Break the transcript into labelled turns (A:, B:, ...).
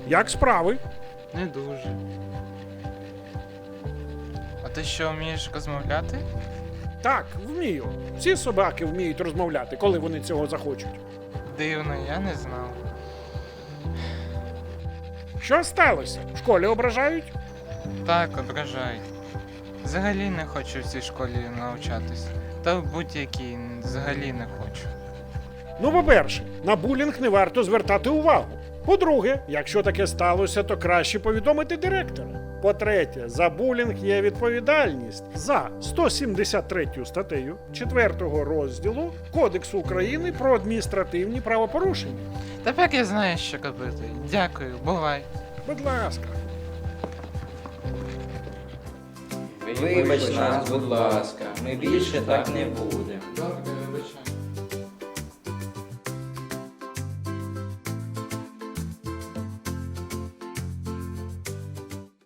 A: Як справи?
B: Не дуже. А ти що, вмієш розмовляти?
A: Так, вмію. Всі собаки вміють розмовляти, коли вони цього захочуть.
B: Дивно, я не знав.
A: Що сталося? В школі ображають?
B: Так, ображають. Взагалі не хочу в цій школі навчатись. Та в будь-якій взагалі не хочу.
A: Ну, по-перше, на булінг не варто звертати увагу. По-друге, якщо таке сталося, то краще повідомити директора. По-третє, за булінг є відповідальність за 173 статтею 4 розділу Кодексу України про адміністративні правопорушення.
B: Тепер я знаю, що робити. Дякую, бувай.
A: Будь ласка.
C: Вибач нас, будь ласка, ми більше так не будемо.